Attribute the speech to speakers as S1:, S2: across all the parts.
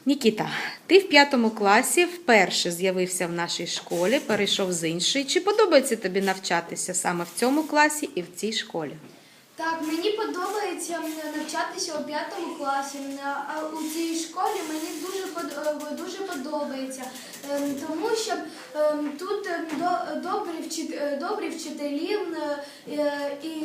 S1: Нікіта, ти в 5 класі вперше з'явився в нашій школі, перейшов з іншої. Чи подобається тобі навчатися саме в цьому класі і в цій школі?
S2: Так, мені подобається навчатися у 5 класі, а у цій школі мені дуже подобається, тому що тут добрі вчителі і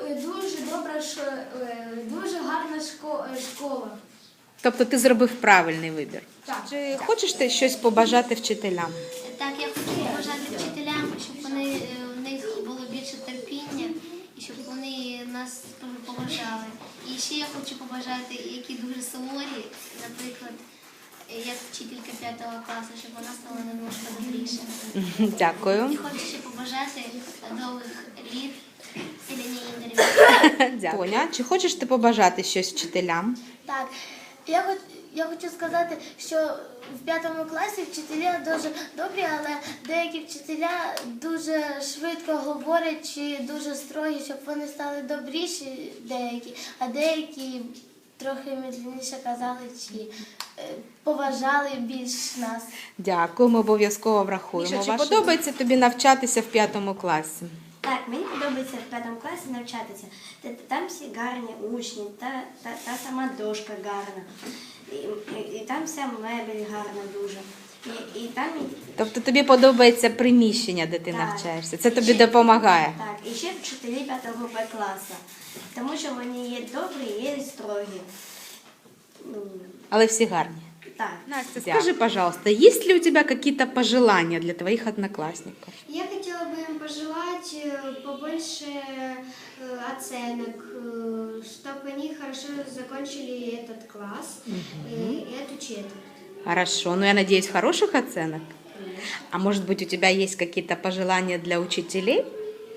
S2: дуже гарна школа.
S1: Тобто ти зробив правильний вибір.
S2: Так.
S1: Чи хочеш ти щось побажати вчителям?
S3: Так, я хочу побажати вчителям, щоб в них було більше терпіння і щоб вони нас поважали. І ще я хочу побажати, які дуже суворі, наприклад, як вчителька 5 класу, щоб вона стала немножко добріше.
S1: Дякую.
S3: І хочу ще побажати довгих літ Селені Ігорівні.
S1: Дякую. Тоня, чи хочеш ти побажати щось вчителям?
S4: Так, я хочу сказати, що в 5 класі вчителі дуже добрі, але деякі вчителя дуже швидко говорять чи дуже строгі, щоб вони стали добріші деякі, а деякі трохи медленніше казали чи поважали більш нас.
S1: Дякую, ми обов'язково врахуємо. Міша, чи подобається тобі навчатися в 5 класі?
S5: Так, мені подобається в 5 класі навчатися. Там всі гарні учні, та сама дошка гарна. І там вся мебель гарна дуже. І там...
S1: Тобто тобі подобається приміщення, де ти навчаєшся? Це тобі допомагає?
S5: Так, і ще вчителі 5 Б класу. Тому що вони є добрі, є строгі.
S1: Але всі гарні.
S5: Так.
S1: Настя, скажи, пожалуйста, есть ли у тебя какие-то пожелания для твоих одноклассников?
S6: Я хотела бы им пожелать побольше оценок, чтобы они хорошо закончили этот класс и эту четверть.
S1: Хорошо, ну я надеюсь, хороших оценок? А может быть, у тебя есть какие-то пожелания для учителей?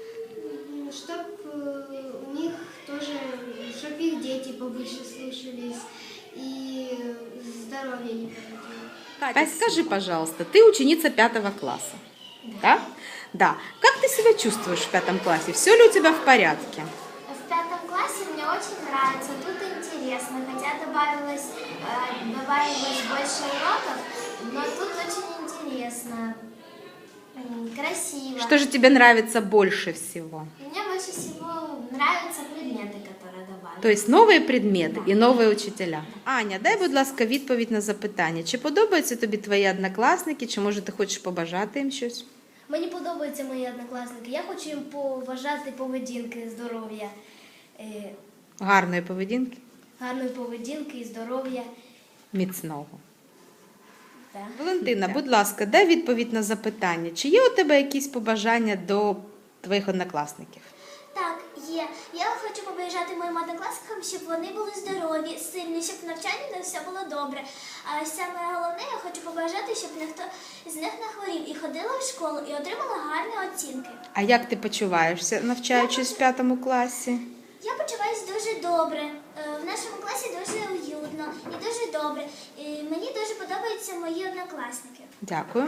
S6: Чтобы у них тоже, чтобы их дети побольше слушались и здоровье не подводило.
S1: Катя, скажи, пожалуйста, ты ученица 5 класса, да? Да. Как ты себя чувствуешь в 5 классе? Все ли у тебя в порядке?
S4: В 5 классе мне очень нравится, тут интересно, хотя добавилось больше уроков, но тут очень интересно, красиво.
S1: Что же тебе нравится больше всего?
S4: Мне больше всего нравятся предметы, которые добавили.
S1: То есть новые предмети і нові учителя. Аня, дай, будь ласка, відповідь на запитання. Чи подобаються тобі твої однокласники, чи може ти хочеш побажати їм щось?
S4: Мені подобаються мої однокласники. Я хочу їм поважати поведінки, здоров'я,
S1: Гарної поведінки,
S4: гарної поведінки і здоров'я.
S1: міцного.
S4: Так.
S1: Валентина, будь ласка, дай відповідь на запитання. Чи є у тебе якісь побажання до твоїх однокласників?
S4: Так, є. Я хочу побажати моїм однокласникам, щоб вони були здорові, сильні, щоб в навчанні в них все було добре. А саме головне, я хочу побажати, щоб ніхто з них не хворів і ходила в школу і отримала гарні оцінки.
S1: А як ти почуваєшся, навчаючись в 5 класі?
S4: Я почуваюся дуже добре. В нашому класі дуже уютно і дуже добре. І мені дуже подобаються мої однокласники.
S1: Дякую.